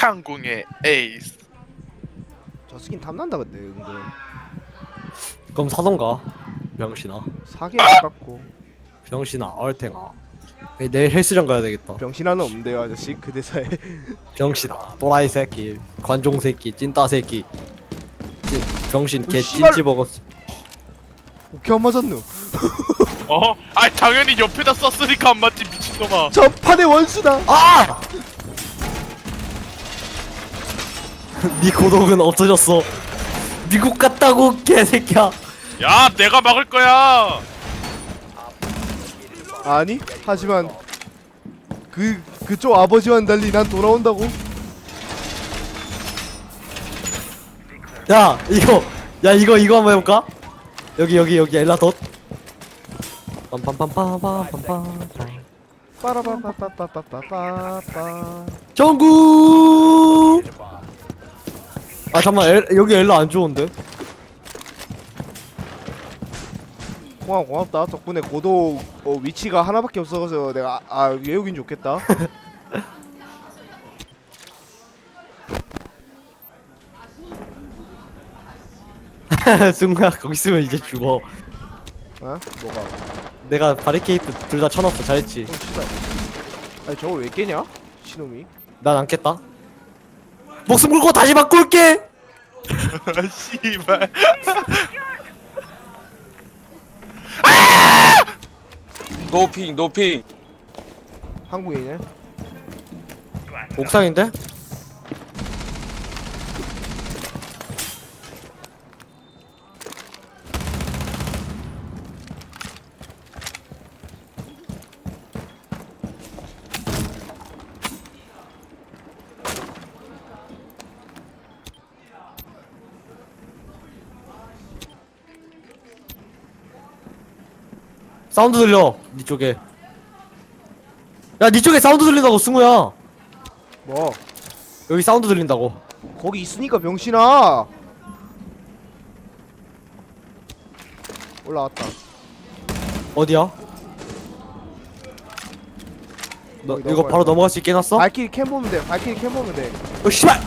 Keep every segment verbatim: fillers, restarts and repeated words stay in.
창궁의 에이스. 저 스킨 탐난다 근데 은근 그럼 사던가. 병신아. 사기 아깝고. 병신아. 얼탱아. 에이, 내일 헬스장 가야 되겠다. 병신아는 없는데요 아저씨 그 대사에. 병신아. 또라이 새끼. 관종 새끼. 찐따 새끼. 찐, 병신 개 오, 씨발. 찐찌 먹었어. 오케이 안 맞았누. 어? 아 당연히 옆에다 썼으니까 안 맞지 미친놈아. 저 판의 원수다. 아! 네 고독은 없어졌어. 미국 갔다고 개새끼야. 야 내가 막을 거야. 아니 하지만 그 그쪽 아버지와는 달리 난 돌아온다고. 야 이거 야 이거 이거 한번 해볼까? 여기 여기 여기 엘라덧. 빰빰빰빰빰빰빰. 빠라바빠빠빠빠빠빠. 정구. 아 잠만 엘, 여기 엘라 안 좋은데? 고마 고맙다. 덕분에 고도 어, 위치가 하나밖에 없어서 내가 아, 아 외우긴 좋겠다. 승우야 거기 있으면 이제 죽어. 어? 뭐가? 내가 바리케이트 둘 다 쳐놨어. 잘했지? 어, 씨발. 아니 저걸 왜 깨냐? 신놈이. 난 안 깼다. 목숨 걸고 다시 바꿀게. 씨발. 노핑 노핑. 한국인이네. 옥상인데? 사운드 들려. 니 쪽에. 야, 니 쪽에 사운드 들린다고 승우야. 뭐 여기 사운드 들린다고. 거기 있으니까 병신아. 올라왔다. 어디야? 너 거기 이거 넘어가야 바로 돼. 넘어갈 수 있게 해놨어? 발키리 캠 보면 돼. 발키리 캠 보면 돼. 어 씨발!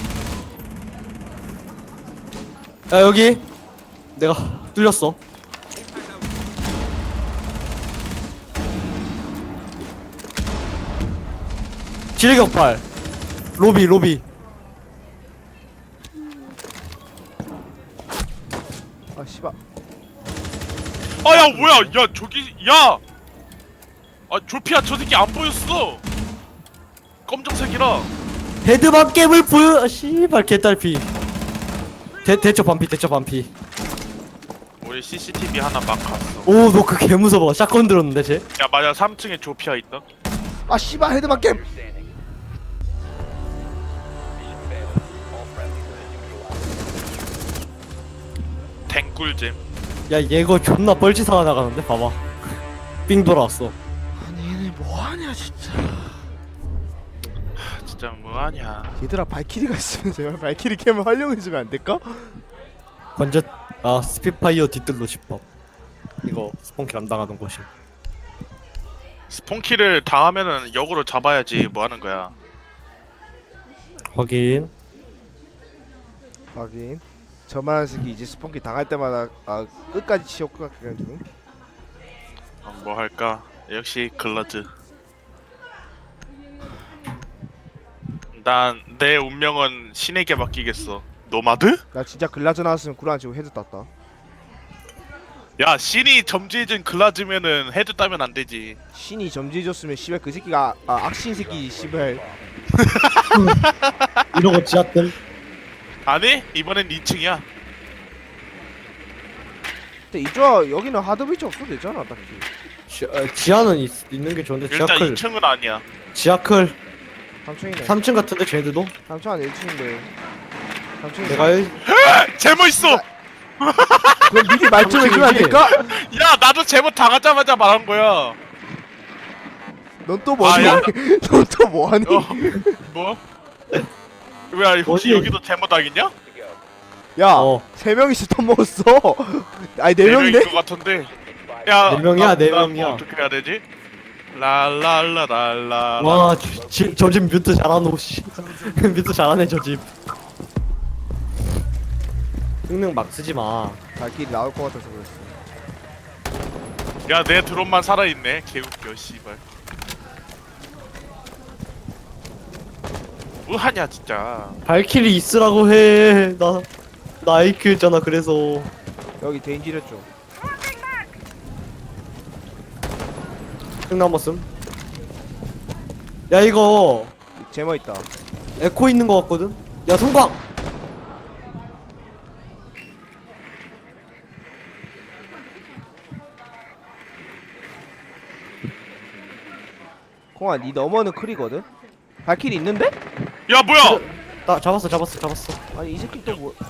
야 여기 내가 뚫렸어. 지뢰격발 로비 로비. 아 씨발. 아야 뭐야? 야 저기 야. 아 조피아 저 새끼 안 보였어. 검정색이라. 헤드밤 게임을 보여. 아, 씨발 개딸피. 대 대처 반피 대처 반피. 우리 씨씨티비 하나 막 갔어. 오 너 그 개 무서워. 샷건 들었는데 쟤. 야 맞아 삼 층에 조피아 있다. 아 씨발 헤드만 캠. 댕꿀잼. 야 얘거 존나 뻘짓 하나 나가는데 봐봐. 삥 돌아왔어. 아니 얘네 뭐하냐 진짜. 진짜 뭐하냐. 얘들아 발키리가 있으면 제발 발키리 캠을 활용해주면 안 될까? 관제 아 스피파이어 뒤뜰로 집밥. 이거 스폰킬 안 당하는 곳이. 스폰키를 당하면은 역으로 잡아야지 뭐 하는 거야. 확인. 하긴 저만한 새끼 이제 스폰키 당할 때마다 아 끝까지 치워 끝까지. 어, 뭐 할까? 역시 글러즈. 난 내 운명은 신에게 맡기겠어. 노마드? 나 진짜 글라즈 나왔으면 구라 안 치고 헤드 땄다. 야 신이 점지해준 글라즈면은 헤드 따면 안 되지. 신이 점지해줬으면 씨발 그 새끼가 아, 악신 새끼 씨발. 이러고 지하뜰. 아니? 이번엔 이 층이야. 근데 이쪽 여기는 하드 브리지 없어도 되잖아 딱히. 지, 어, 지하는 있, 있는 게 좋은데 일단 지하클. 이 층은 아니야. 지하클 삼 층이네. 삼 층 같은데 쟤네들도? 삼 층 아니 일 층인데. 삼 층. 내가 일... 제모 있어. 그럼 미리 말 좀 해주면 안 될까? 야 나도 제모 당하자마자 말한 거야. 넌 또 뭐하니? 아, 야. 넌 또 뭐하니? 어 뭐? 왜 혹시 어디? 여기도 제모 당했냐? 야, 어. 세 명이서 돈 먹었어. 아니 네 네 명인 명이네. 것 같은데. 야 네 명이야, 나- 네 나 명이야. 뭐 어떻게 해야 되지? 랄랄라랄라. 와저 집 뮤트 잘하노 씨. 뮤트 잘하네 저 집. 흥능 막 쓰지 마. 발길이 나올 것 같아서 그랬어. 야, 내 드론만 살아있네. 개웃겨, 씨발. 뭐하냐, 진짜. 발키리 있으라고 해. 나 나이큐였잖아 그래서. 여기 데인지랬죠. 흥 남았음. 야 이거 제모 있다. 에코 있는 거 같거든. 야 성광. 콩아, 니 너머는 클이거든. 발길이 있는데? 야, 뭐야! 나 잡았어 잡았어 잡았어. 아니 이 새끼 또 뭐?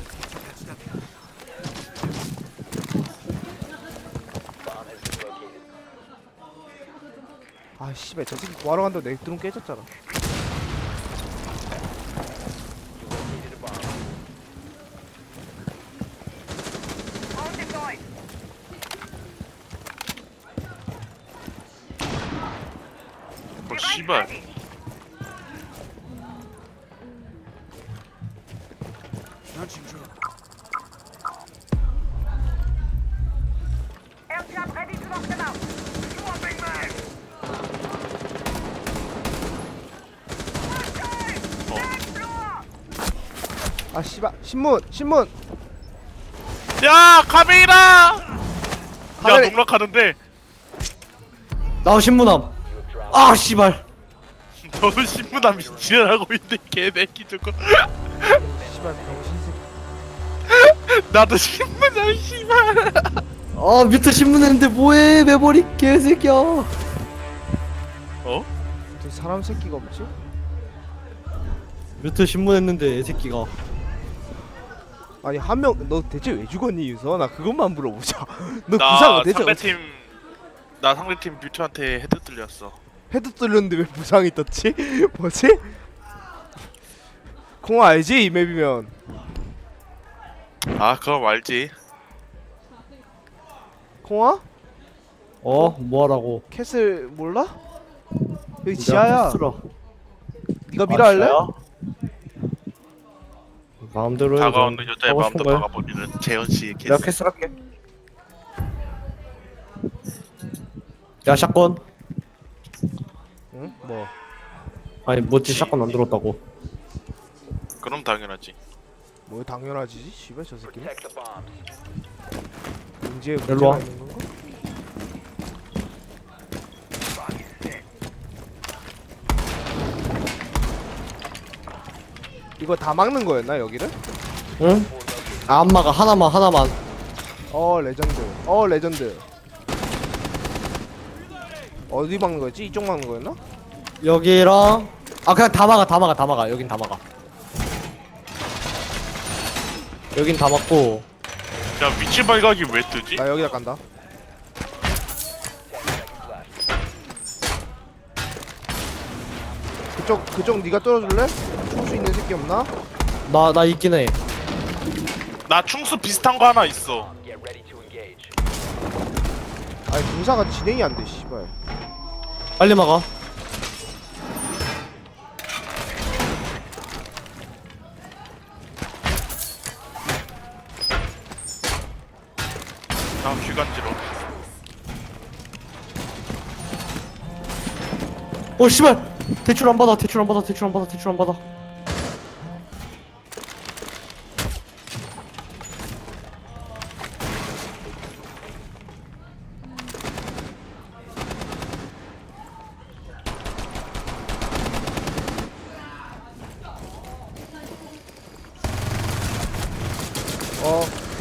아 씨발 저 새끼 구하러 간다고 내 드론 깨졌잖아. 뭐, 씨발. 아 씨발 신문 신문. 야, 카메이라! 야, 카메라- 농락하는데. 나 신문함. 아 씨발. 너도 신부남이 지랄하고 있는데, 개새끼 저거. 씨발 병신 새끼. 나도 신부남, 씨발. 아 뮤트 신문했는데 뭐해 매버리 개새끼야. 어? 저 사람 새끼가 없지? 뮤트 신문했는데 새끼가. 아니 한 명 너 대체 왜 죽었니 유서? 나 그것만 물어보자. 너 나 부상 대체 어떻게- 상대팀, 나 상대팀 뮤트한테 헤드 뚫렸어. 헤드 뚫렸는데 왜 부상이 떴지? 뭐지? 콩아 알지 이 맵이면. 아, 그럼 알지. 콩아? 어 뭐하라고. 캐슬 몰라? 여기 지하야. 네가 미라 아, 할래? 지하야? 마음대로 해. 다가오는 넌 여자의 하고 마음도 싶은 거야. 막아버리는 재현 씨의 내가 케이스. 캐슬 할게. 야 샷건. 응? 뭐? 아니 뭐지 샷건 안 들었다고. 그럼 당연하지. 뭐 당연하지. 씨발 저 새끼는. 문제에 일로 문제가 와. 있는 건가? 이거 다 막는 거였나 여기를? 응? 아, 안 막아 하나만 하나만. 어 레전드. 어 레전드. 어디 막는 거였지? 이쪽 막는 거였나? 여기랑 아 그냥 다 막아 다 막아 다 막아. 여긴 다 막아. 여긴 다 막고. 야, 위치 발각이 왜 뜨지? 나 여기다 간다. 그쪽 그쪽 네가 뚫어줄래? 줄 수 있는 새끼 없나? 나 나 있긴 해. 나 충수 비슷한 거 하나 있어. 아니 공사가 진행이 안 돼. 씨발. 빨리 막아. 나 휘간지러. 어 씨발. 대출 안 받아 대출 안 받아 대출 안 받아 대출 안 받아. 어,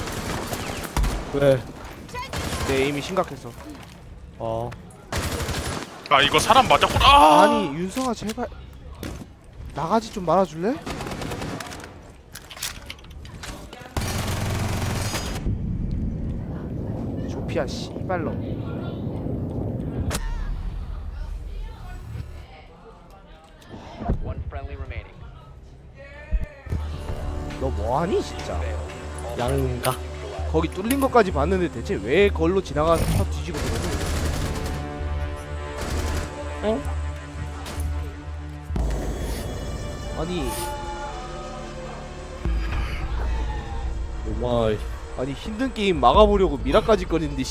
왜? 내 에임이 심각했어. 어. 아, 이거 사람 맞았구나. 아! 아니 윤성아 제발 나가지 좀 말아줄래? 조피아 씨발로. 너 뭐하니 진짜? 양가. 거기 뚫린 것까지 봤는데 대체 왜 걸로 지나가서 쳐 뒤지고 그러니? 아니 오마이 아니 힘든 게임 막아보려고 미라까지 꺼냈는데